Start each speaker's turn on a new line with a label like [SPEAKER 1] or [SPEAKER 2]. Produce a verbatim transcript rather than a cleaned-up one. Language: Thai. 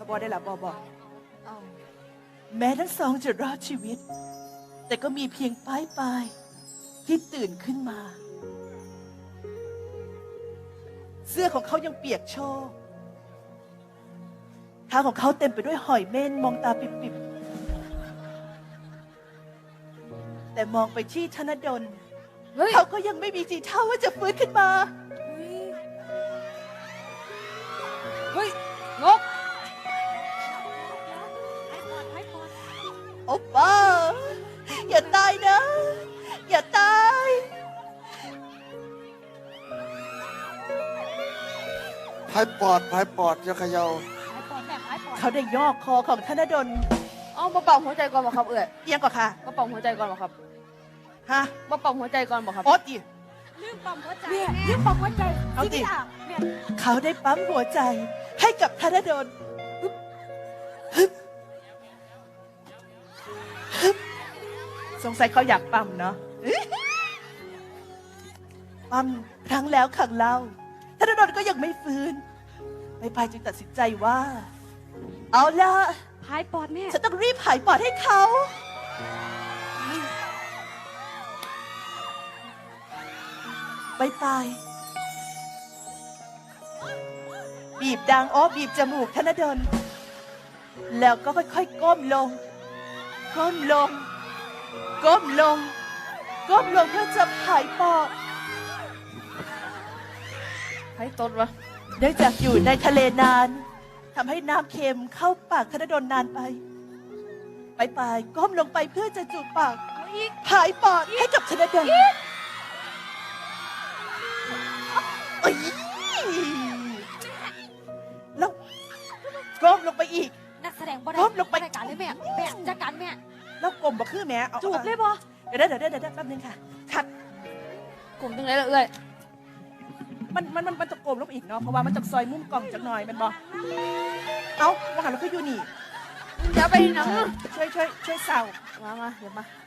[SPEAKER 1] บอได้หรอบอบอ
[SPEAKER 2] เอา
[SPEAKER 1] แม้ทั้งสองจะรอดชีวิต แต่ก็มีเพียงป้ายปลายที่ตื่นขึ้นมา เสื้อของเขายังเปียกโชกเท้าของเขาเต็มไปด้วยหอยเม่นมองตาปิบๆแต่มองไปที่ธนดล
[SPEAKER 2] เฮ้ย
[SPEAKER 1] เขาก็ยังไม่มีทีท่าว่าจะฟื้นขึ้นมา
[SPEAKER 2] เฮ้ยงก
[SPEAKER 1] โอป้าอย่าตายนะ อย่าตาย
[SPEAKER 3] พายปอดพายปอดอย่าเขย่า
[SPEAKER 2] หายปอดแม่หายปอด
[SPEAKER 1] เขาได้ยอกคอของธนดล
[SPEAKER 2] เอามาเป่าหัวใจก่อนบ่ครับเอ่ย
[SPEAKER 1] เอียงก่อนค่ะ
[SPEAKER 2] มาเป่าหัวใจก่อนบ่ครับ
[SPEAKER 1] ฮะ
[SPEAKER 2] มาเป่าหัวใจก่อนบ่ครับ
[SPEAKER 1] โอ๊ตดิ
[SPEAKER 2] ลืมปั๊มหัวใจลืมปั๊มหัวใจ
[SPEAKER 1] เอาดิ
[SPEAKER 2] แม่
[SPEAKER 1] เขาได้ปั๊มหัวใจให้กับธนดลฮึบฮึบฮึบสงสัยเขาอยากปั๊มเนาะปั๊มครั้งแล้วครั้งเล่าธนดลก็ยังไม่ฟื้นไปพายจึงตัดสินใจว่า เอาล่ะ
[SPEAKER 2] หายปอดแม่
[SPEAKER 1] ฉันต้องรีบหายปอดให้เขา ไปไปบีบดังอ้อบีบจมูกธนดลแล้วก็ค่อยๆก้มลง ก้มลง ก้มลง ก้มลงเพื่อจะหายปอด
[SPEAKER 2] หายตดวะ
[SPEAKER 1] เนื่องจากอยู่ในทะเลนานทำให้น้ำเค็มเข้าปากธนดลนานไป ไปไปก้มลงไปเพื่อจะจูบปากหายปอดให้กับธนดลโอ้ยแล้วก้มลงไปอีก
[SPEAKER 2] นักแสดงบ่ได้
[SPEAKER 1] ก้มลงไป
[SPEAKER 2] บ่ได้การเลยแม่แม่จัดการแม่
[SPEAKER 1] แล้วกลมบ่คือแม่เอา
[SPEAKER 2] จูบเลยบ่
[SPEAKER 1] เดี๋ยวเดี๋ยวเดี๋ยวเดี๋ยวแป๊บนึงค่ะคัด
[SPEAKER 2] กลุ่มจังไรล่ะเอ่ย
[SPEAKER 1] มันมันมันมันจะกลมลงไปอีกเนาะเพราะว่ามันจะซอยมุมกล่องจักหน่อยแมันบ่เอ้าว่าหันเราคืออยู่นี่
[SPEAKER 2] อย่าไปหนัง
[SPEAKER 1] ช่วยช่วยช่วยเสา
[SPEAKER 2] มามาเดี๋ยวมา